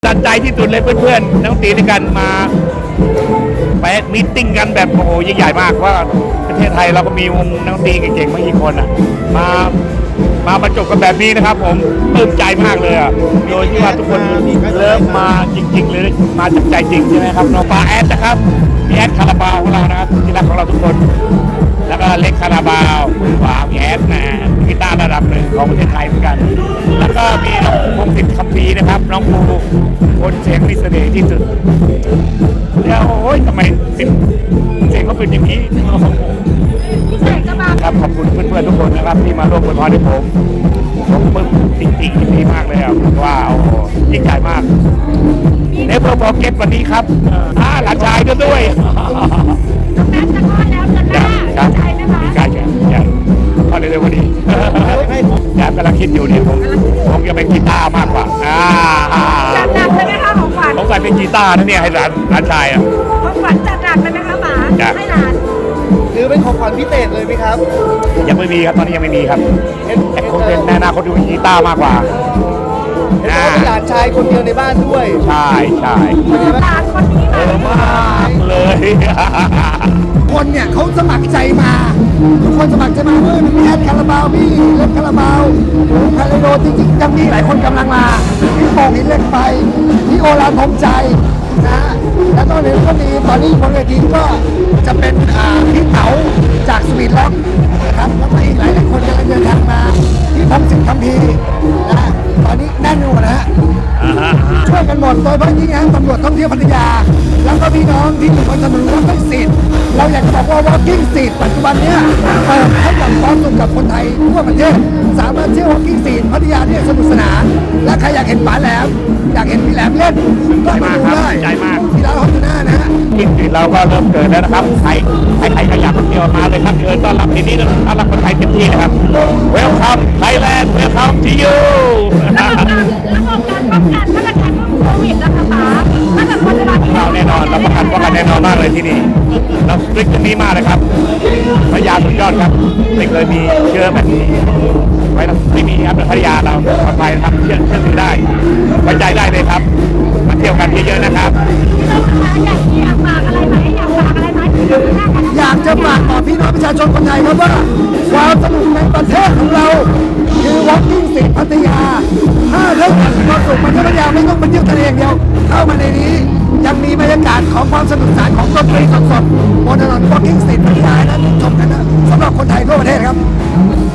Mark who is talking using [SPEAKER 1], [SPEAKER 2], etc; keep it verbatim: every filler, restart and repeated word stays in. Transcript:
[SPEAKER 1] ตัดใจที่สุดเลยเพื่อนๆนักดนตรีด้วยกันมาไปมีตติ้งกันแบบโอ้โหยิ่งใหญ่มากว่าประเทศไทยเราก็มีวงนักดนตรีเก่งๆไม่กี่คนอ่ะมามาบรรจบกันแบบนี้นะครับผมปลื้มใจมากเลยอ่ะโดยที่ว่าทุกคนเริ่มมาจริงๆเลยมาจากใจจริงใช่ไหมครับน้องปาแอดนะครับพี่แอดคาราบาวของเรานะครับที่รักของเราทุกคนแล้วก็เล็กคาราบาวฝาพี่แอดนะกีตาร์ระดับหนึ่งของประเทศไทยเหมือนกันแล้วก็มีน้องพงศิษฐ์คัมภีร์นะครับน้องภูคนเสียงมีเสน่ห์ที่สุดแล้วโอ้ยทำไมเสียงเสียงเขาเป็นอย่างนี้ครับขอบคุณเพื่อนๆทุกคนนะครับที่มาร่วมอวยพรให้ผมผมปลื้มจริงๆยินดีมากเลยครับว่าโอ้โหยิ่งใหญ่มากเนเวอร์บอกเก็ตวันนี้ครับอ่าหลานชายก็ด้วยครับใกล้ๆอย่างพอเร็วๆวันนี้ยามกำลังคิดอยู่เนี่ยผมผมจะเป็นกีตาร์มากกว่าอ่า
[SPEAKER 2] จัดหนักเลยไหมคะของขวัญ
[SPEAKER 1] ผมกลายเป็นกีตาร์นะเนี่ยให้หลานหลานชายอ่ะ
[SPEAKER 2] ของขวัญจัดหนักเลยไหมคะหมาให้หลาน
[SPEAKER 3] หรือเป็นของขวัญพิเศษเลยไหมครับ
[SPEAKER 1] ยังไม่มีครับตอนนี้ยังไม่มีครับแต่คงเป็นในอนาคตดูกีตาร์มากกว่า
[SPEAKER 3] เห็นว่าเป็นหลานชายคนเดียวในบ้านด้วย
[SPEAKER 1] ใช่ใช่
[SPEAKER 2] หลานคนนี้
[SPEAKER 1] เออมากเลย
[SPEAKER 4] คนเนี่ยเขาสมัครใจมาทุกคนสมัครใจมาเมื่อมีแอดคาราบาวพี่เล็กคาราบาวคาราโดจริงๆยังมีหลายคนกำลังมาพี่โป่งหินเหล็กไฟพี่โอรานทมใจนะแล้วตอนนี้ก็มีตอนนี้บนเวทีก็จะเป็นอ่าพี่เต๋าจากสวีทล็อกนะครับแล้วก็อีกหลายหลายคนกำลังเดินทางมาพี่พงศิษฐ์คัมภีร์นะตอนนี้แน่นหมดนะฮะช่วยกันหมดโดยเฉพาะยิ่งนะตำรวจท่องเที่ยวพัทยาแล้วก็พี่น้องที่อยู่บนถนน Walking Street เราอยากจะบอกว่า Walking Street ปัจจุบันเนี้ยเปิดให้กับความสุขกับคนไทยทั่วประเทศสามารถเที่ยว Walking Street พัทยาได้สนุกสนานและใครอยากเห็นป๋าแหลมอยากเห็นพี่แหลมเล่นก็มาดูได้
[SPEAKER 1] ใจมาก
[SPEAKER 4] ที่ร้านฮอตทูน่านะฮะ
[SPEAKER 1] ที่สิเราก็เริ่มเกิดแล้วนะครับใครใครใครก็อยากมาเที่ยวมาเลยครับเชิญต้อนรับที่นี่ต้อนรับคนไทยเต็มที่นะครับ Welcome Thailand Welcome to you
[SPEAKER 2] ระบบการระบบการป้องกันมาตรการโควิดนะคะป๋าถ้าเกิดคนจะมาที่
[SPEAKER 1] เราแน่นอนเราประกันป้องกันแน่นอนมากเลยที่นี่เราสตริกตรงนี้มากเลยครับพัทยาสุดยอดครับไม่เคยมีเชื้อแบบนี้ไว้ไม่มีครับพัทยาเราปลอดภัยนะครับเชื่อเชื่อถือได้ไว้ใจได้เลยครับมาเที่ยวกันเยอะๆนะครับ
[SPEAKER 2] อยากฝากอะไรไหมอยากฝากอะไรไหม
[SPEAKER 4] อยากจะฝากต่อพี่น้องประชาชนคนไทยครับว่าความสนุกในประเทศของเราคือ Walking Street พัทยาถ้าเรื่องความสุขมันพัทยาไม่ต้องมาเที่ยวทะเลอย่างเดียวเข้ามาในนี้ยังมีบรรยากาศของความสนุกสนานของดนตรีสดๆบนถนน Walking Street พัทยานั้นชมกันนะสำหรับคนไทยทั่วประเทศครับ